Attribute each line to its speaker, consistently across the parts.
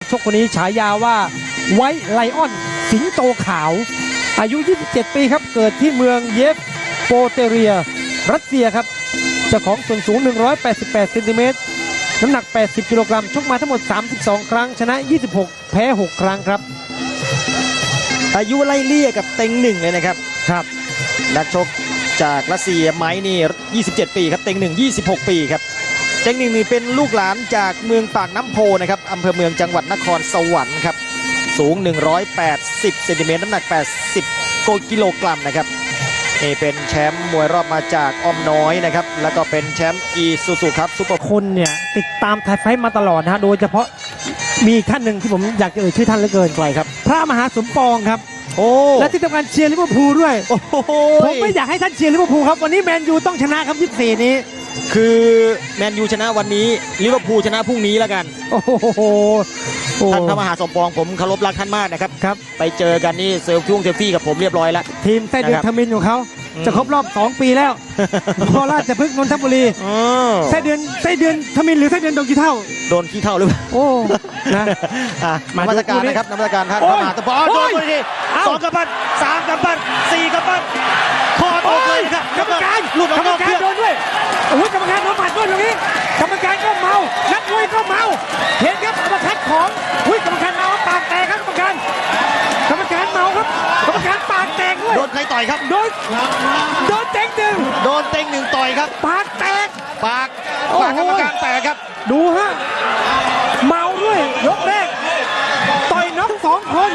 Speaker 1: ชกคนนี้ฉายาว่าไวท์ไลออนสิงโตขาวอายุ 27 ปีครับเกิดที่เมืองเยฟโปเตเรียรัสเซียครับเจ้าของส่วนสูง 188 เซนติเมตรน้ำหนัก 80 กิโลกรัมชกมาทั้งหมด 32 ครั้งชนะ 26 แพ้ 6 ครั้งครับ
Speaker 2: อายุไล่เลี่ยกับเต็งหนึ่งเลยนะครับ
Speaker 1: ครับ
Speaker 2: นักชกจากรัสเซียไม้นี่ 27 ปีครับเต็งหนึ่ง 26 ปีครับเต็งหนึ่งนี่เป็นลูกหลานจากเมืองปากน้ำโพนะครับอำเภอเมืองจังหวัดนครสวรรค์ครับสูง 180 เซนติเมตรน้ำหนัก 80 กิโลกรัมนะครับนี่เป็นแชมป์มวยรอบมาจากอ้อมน้อยนะครับแล้วก็เป็นแชมป์อีซูซูครับซุปเปอร์
Speaker 1: คนเนี่ยติดตามไทยไฟท์มาตลอดนะฮะโดยเฉพาะมีท่านหนึ่งที่ผมอยากจะเอ่ยชื่อท่านเหลือเกิน
Speaker 2: ใครครับ
Speaker 1: พระมหาสมปองครับ
Speaker 2: โอ้
Speaker 1: และที่สำคัญเชียร์ลิเวอร์พูลด้วย
Speaker 2: โอ้
Speaker 1: ผมไม่อยากให้ท่านเชียร์ลิเวอร์พูลครับวันนี้แมนยูต้องชนะครับ24นี้
Speaker 2: คือแมนยูชนะวันนี้ลิเวอร์พูลชนะพรุ่งนี้แล้วกัน
Speaker 1: โอ้โห
Speaker 2: ท่านพระมหาสมปองผมเคารพรักท่านมากนะครับไปเจอกันนี่เซลฟี่กับผมเรียบร้อยแล้ว
Speaker 1: ทีมไส้เดือนทมินของเขาจะครบรอบ2 ปีแล้วพอราชพฤกษ์นนทบุรีไส้เดือนทมินหรือไส้เดือนโดนขี้เท่า
Speaker 2: หรือเปล่า
Speaker 1: โอ้นะ
Speaker 2: มาตรการนะครับนมัสการท่านพระมหาสมปองโดนไปที2 กำปั้น3 กำปั้น4 กำปั้นคอตกเลยครับ
Speaker 1: กรรมการหลุดกรรมการโดนด้วยโอ้ยกรรมการโดนหมัดด้วยตรงนี้กรรมการก็เมานักมวยก็เมาเห็นครับอัปคัดของกรรมการเมาปากแตกครับกรรมการเมาครับกรรมการปากแตกด้วย
Speaker 2: โดนใครต่อยครับ
Speaker 1: โดนเต็งหนึ่ง
Speaker 2: ต่อยครับ
Speaker 1: ปากแตก
Speaker 2: ปากกรรมการแตกครับ
Speaker 1: ดูฮะเมาด้วยยกแรกต่อยน็อก2 คน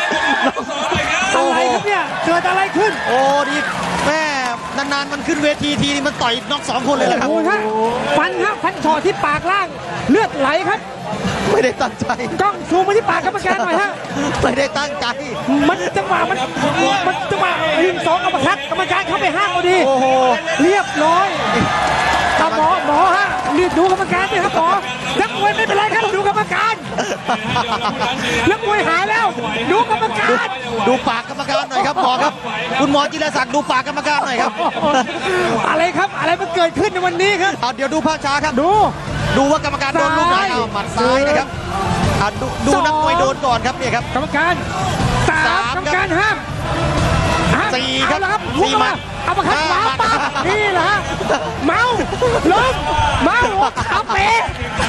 Speaker 1: อะไรครับเนี่ยเกิดอะไรขึ้น
Speaker 2: โอ้ดีแม่นานๆมันขึ้นเวทีทีมันต่อยน็อก2 คนเลยแหละครับ
Speaker 1: โอ้ยฟันเฉาะที่ปากล่างเลือดไหลครับ
Speaker 2: ไม่ได้ตั้งใจ
Speaker 1: กล้องซูมมาที่ปากกรรมการหน่อยฮะ
Speaker 2: ไม่ได้ตั้งใจ
Speaker 1: มันจังหวะยิง2 อัปคัดกรรมการเข้าไปห้ามพอดี
Speaker 2: โอ้โห
Speaker 1: เรียบร้อยหมอฮะรีบดูกรรมการด้วยครับหมอนักมวยไม่เป็นไรครับดูกรรมการนักมวยหายแล้วดูกรรมการ
Speaker 2: ดูปากกรรมการหน่อยครับหมอครับคุณหมอจิรศักดิ์ดูปากกรรมการหน่อยครับ
Speaker 1: อะไรครับอะไรมันเกิดขึ้นในวันนี้ครับ
Speaker 2: เดี๋ยวดูภาพช้าครับดูว่ากรรมการโดนลูกไหนหมัดซ้ายนะครับดูนักมวยโดนก่อนครับเนี่ยครับ
Speaker 1: กรรมการ3กรรมการห้าม
Speaker 2: 4ครับ
Speaker 1: 4มาเอามาคัดขวาปั๊บนี่แหละฮะเมาล้มเมาขาเป๋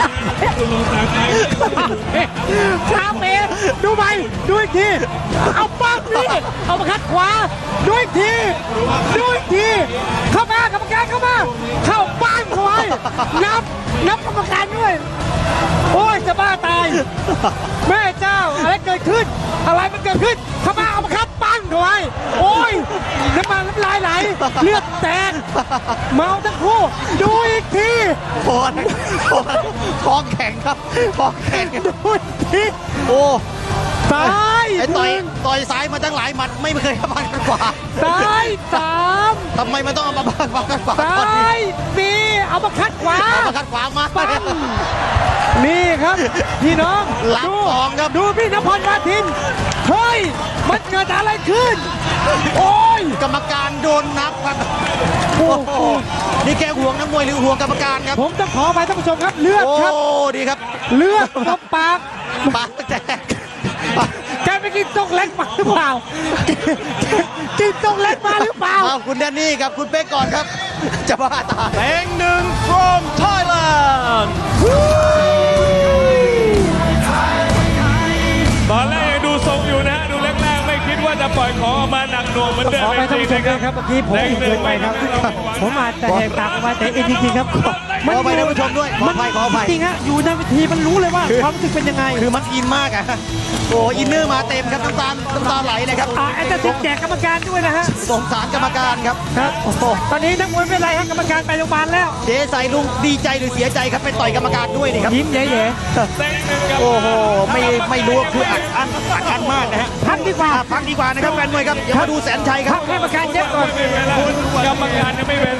Speaker 1: ดูไปดูอีกทีเอาปั๊บนี่เอามาคัดขวาดูอีกทีเข้ามากรรมการเข้าบ้านเขาไว้นับกรรมการด้วยโอ้ยจะบ้าตายแม่เจ้าอะไรเกิดขึ้นเข้ามาเอามาคัดปั้นเขาไว้โอ้ยน้ำลายไหลเลือดแตกเมาทั้งคู่ดูอีกที
Speaker 2: ท้องแข็งครับท้องแข็ง
Speaker 1: ดูอีกที
Speaker 2: โอ้
Speaker 1: ซ้าย
Speaker 2: ต่อยซ้ายมาตั้งหลายหมัดไม่เคยเข้ามากันขวา
Speaker 1: ซ้าย3
Speaker 2: ทำไมมันต้องเอามาบ้างกันขวา
Speaker 1: ซ้าย4เอามาคัดขวา
Speaker 2: มา
Speaker 1: นี่ครับพี่น้อง
Speaker 2: รับ2ครับ
Speaker 1: ดูพี่นพวาทินเฮ้ยมันเกิดอะไรขึ้นโอ้ย
Speaker 2: กรรมการโดนนับครับโอ้โหนี่แกห่วงนักมวยหรือห่วงกรรมการครับ
Speaker 1: ผมต้องขอไปท่านผู้ชมครับเลือดครับ
Speaker 2: โอ้ดีครับ
Speaker 1: เลือดตบปาก
Speaker 2: แตก
Speaker 1: แกไปกินตกเล็กมาหรือเปล่ากินตกเล็กมาหรือเปล่า
Speaker 2: คุณแดนนี่ครับคุณเป๊กก่อนครับจะบ้าตายเต็งหนึ่ง from Thailand
Speaker 3: ตอนแรกยังดูทรงอยู่นะดูแรกๆไม่คิดว่าจะปล่อยของออกมาหนักหน่วงเหมือนเดิม
Speaker 1: ขอไปท่านผู้ชมครับเมื่อกี้ผมเกินไปครับผมอาจจะแหกปากออกมาแต่จริงๆครับ
Speaker 2: ขอไปท่านผู้ชมด้วยขอไป
Speaker 1: จริงฮะอยู่ในเวทีมันรู้เลยว่าความรู้สึกเป็นยังไง
Speaker 2: คือมันอินมากอ่ะโอ้อินเนอร์มาเต็มครับน้ำตาไหลเลยครับ
Speaker 1: แอนเตอร์ซิกแจกกรรมการด้วยนะฮะ
Speaker 2: สงสารกรรมการครับ
Speaker 1: โอ้โหตอนนี้นักมวยไม่เป็นไรครับกรรมการไปโรงพยาบาลแล้ว
Speaker 2: เจ๊ใส่ลุงดีใจหรือเสียใจครับไปต่อยกรรมการด้วยนี่ครับ
Speaker 1: ยิ้มแย่
Speaker 2: โอ้โหไม่รู้คืออัดอั้นมากนะฮะ
Speaker 1: พักดีกว่า
Speaker 2: นะครับแฟนมวยครับอย่ามาดูแสนชัยครับ
Speaker 1: ให้กรรมการเย็บก่อน
Speaker 3: กรรมการยังไม่เว้น